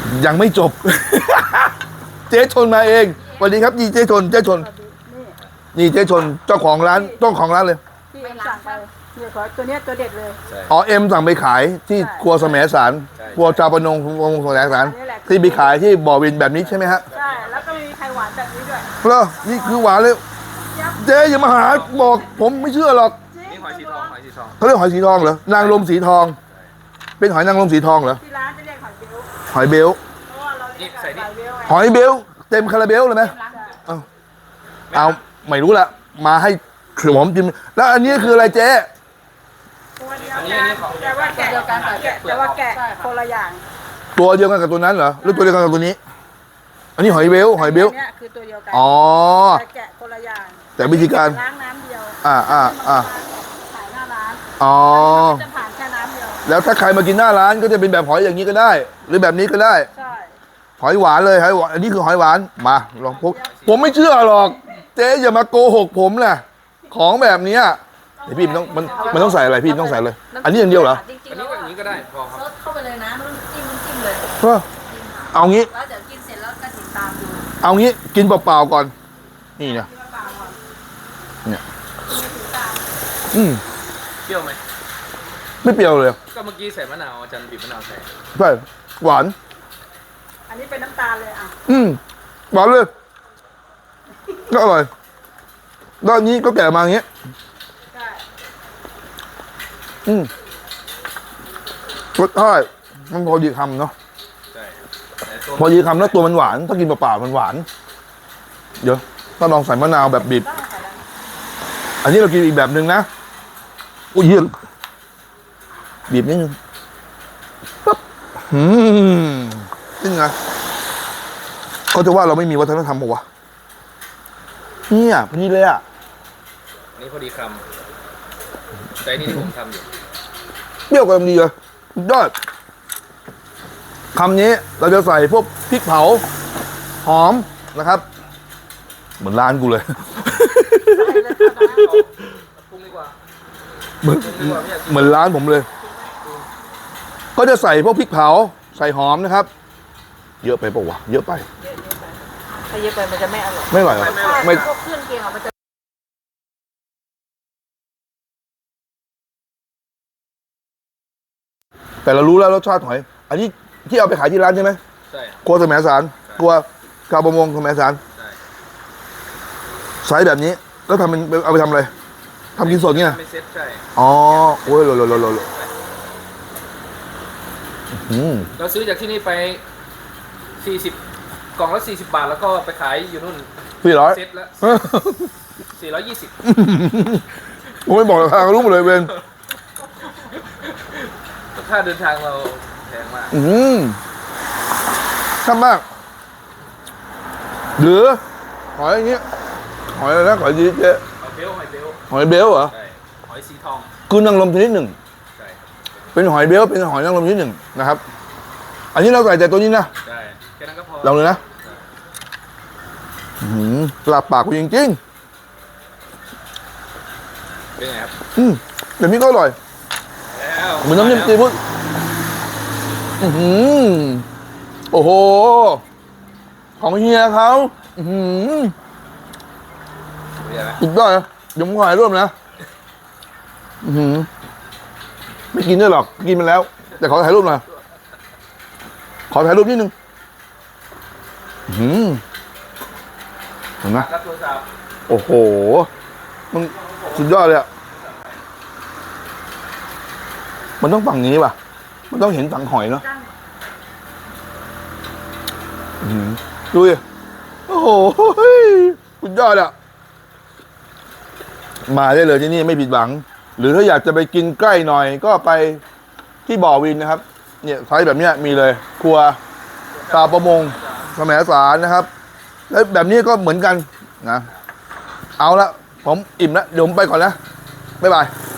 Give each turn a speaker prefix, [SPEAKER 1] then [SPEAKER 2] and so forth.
[SPEAKER 1] ยังไม่จบ เจ๊ชนมาเองสวัสดีครับนี่เจ๊ชนนี่เจ๊ชนเจ้าของร้านเลย
[SPEAKER 2] ที่เอ็มสั่งไปเนี่ยขอตัวเนี้ยตัวเด็ดเลย
[SPEAKER 1] อ๋อเอ็มสั่งไปขายที่ครัวแสมสารครัวจาปนงวงแสมสารที่ไปขายที่บ่อวินแบบนี้ใช่ไหมฮะ
[SPEAKER 2] ใช่แล้วก็ไม่มีใครหวานแบบนี้ด้วย
[SPEAKER 1] เหรอนี่คือหวานเลยเจ๊อย่ามาหาบอกผมไม่เชื่อหรอก
[SPEAKER 3] นี่หอยสีทอง
[SPEAKER 1] เขาเรียกหอยสีทองเหรอนางรมสีทองเป็นหอยนางรมสีทองเหรอ
[SPEAKER 2] ที่ร้านจะเรียกหอยเบลเพราะว่าเราเรียกหอยเบล
[SPEAKER 1] หอยเบลเต็มคาราเบลเลยไหมเอาไม่รู้ละมาให้ผมกินแล้วอันนี้คืออะไรเจ๊
[SPEAKER 2] ตัวเดียวกันแต่ว่าแกะแต่ว่าแกะคนละอย่าง
[SPEAKER 1] ตัวเดียวกันกับตัวนั้นเหรอหรือตัวเดียวกันกับตัวนี้อันนี้หอยเบล
[SPEAKER 2] เนี่ยคือตัวเดียวกัน
[SPEAKER 1] อ๋อ
[SPEAKER 2] แต่แกะคนละอย่าง
[SPEAKER 1] แต่วิธีการ
[SPEAKER 2] ล้างน้ำเดียว
[SPEAKER 1] ขาย
[SPEAKER 2] หน้าร้าน
[SPEAKER 1] อ๋อ
[SPEAKER 2] จะผ่านแค่น้ำเดียว
[SPEAKER 1] แล้วถ้าใครมากินหน้าร้านก็จะเป็นแบบหอยอย่างนี้ก็ได้ หรือแบบนี้ก็ได้
[SPEAKER 2] ใช่
[SPEAKER 1] หอยหวานเลยหอยหวานอันนี้คือหอยหวานมาลองผมไม่เชื่อหรอกเจ๊อย่ามาโกหกผมนะของแบบนี้พี่มันต้องใส่อะไรพี่ต้องใส่เลยอันนี้อย่างเดียวเหรอ
[SPEAKER 3] อันนี้ก็อย่างนี้ก็ได้พอครับ
[SPEAKER 2] ซดเข้าไปเลยนะไม่ต้องจิ้มเลย
[SPEAKER 1] เอางี้
[SPEAKER 2] แล้วเดี๋ยวกินเสร็จแล้วก็ติดตามดู
[SPEAKER 1] เอางี้กินเปล่าๆก่อนนี่เนี่ย
[SPEAKER 3] เปรี้ยวไหม
[SPEAKER 1] ไม่เปรี้ยวเลย
[SPEAKER 3] ก็เมื่อกี้ใส่มะนาวอาจารย์บีบมะนาวใส่
[SPEAKER 1] ใช่หวาน
[SPEAKER 2] อันนี้เป็นน้ำตาลเลย
[SPEAKER 1] หวานเลยก็อร่อยด้านนี้ก็แก่มาอย่างเงี้ยรสชาติมันพอดีคำเนาะพอดีคำแล้วตัวมันหวานถ้ากินเปล่าๆมันหวานเดี๋ยวถ้าลองใส่มะนาวแบบบีบอันนี้เรากินอีกแบบหนึ่งนะอุ้ยเยอะบีบนิดนึงปั๊บนี่ไงเขาจะว่าเราไม่มีวัฒนธรรมปะวะเนี่ยพอดีเลยอ่ะ
[SPEAKER 3] นี่พอดีคำแต่นี่ที่ผมทำอยู่
[SPEAKER 1] เปรี้ยวกำลังดีเลยยอดคำนี้เราจะใส่พวกพริกเผาหอมนะครับเหมือนร้านกูเลยเหมือนร้านผมเลยก็จะใส่พวกพริกเผาใส่หอมนะครับเยอะไปปะวะเยอะไป
[SPEAKER 2] ถ้าเยอะไปมันจะไม่อร่อย
[SPEAKER 1] ไม่อร่อยไม่
[SPEAKER 2] พวกเครื่องเคียงมันจะ
[SPEAKER 1] แต่เรารู้แล้วรสชาติหอยอันนี้ที่เอาไปขายที่ร้านใช่ไหม
[SPEAKER 3] ใช่
[SPEAKER 1] ครัวแสมสารครัวชาวประมงแสมสารใช้แบบนี้แล้วทำเป็นเอาไปทำอะไรทำกินสดเนี่ย
[SPEAKER 3] ไม่เซ็ตใช่
[SPEAKER 1] อ๋อโอ้ยโล
[SPEAKER 3] เราซื้อจากที่นี่ไป40กล่องละ40 บาทแล้วก็ไปขายอยู่นู่น
[SPEAKER 1] 400
[SPEAKER 3] เซ็ตละ420
[SPEAKER 1] ผมไม่บอกราคารู้หมดเลยเวน
[SPEAKER 3] ค่าเดินทางเราแพงมาก
[SPEAKER 1] ช่ำมากหรือหอยอย่างเงี้ยหอยอะไรนะหอยดีเจ๊
[SPEAKER 3] หอยเบล
[SPEAKER 1] เหรอ
[SPEAKER 3] ใช่หอยสีทอง
[SPEAKER 1] คือนางรมชนิดหนึ่ง
[SPEAKER 3] ใช่
[SPEAKER 1] เป็นหอยเบลเป็นหอยนางรมชนิดหนึ่งนะครับอันนี้เราใส่แต่ตัวนี้นะ
[SPEAKER 3] ใช่แค่นั้นก็พอ
[SPEAKER 1] ลองเลยนะหลับปากกูจริง
[SPEAKER 3] ๆเป็นไงครับ
[SPEAKER 1] แบบนี้ก็อร่อยเหมือนน้ำจิ้มซีฟู้ดโอ้โหของเฮียเขาอีกด้วยเดี๋ยวผมขอถ่ายรูปนะไม่กินด้วยหรอกกินไปแล้วแต่ขอถ่ายรูปหน่อยขอถ่ายรูปนิดนึงเห็นไหมโอ้โหมันสุดยอดเลยอะมันต้องฝั่งนี้ป่ะมันต้องเห็นฝั่งหอยเนาะดูดิโอ้โหสุดยอดอะมาได้เลยที่นี่ไม่ผิดหวังหรือถ้าอยากจะไปกินใกล้หน่อยก็ไปที่บ่อวินนะครับเนี่ยไซส์แบบเนี้ยมีเลยครัวชาวประมงแสมสารนะครับแล้วแบบนี้ก็เหมือนกันนะเอาละผมอิ่มแล้วเดี๋ยวผมไปก่อนนะบ๊ายบาย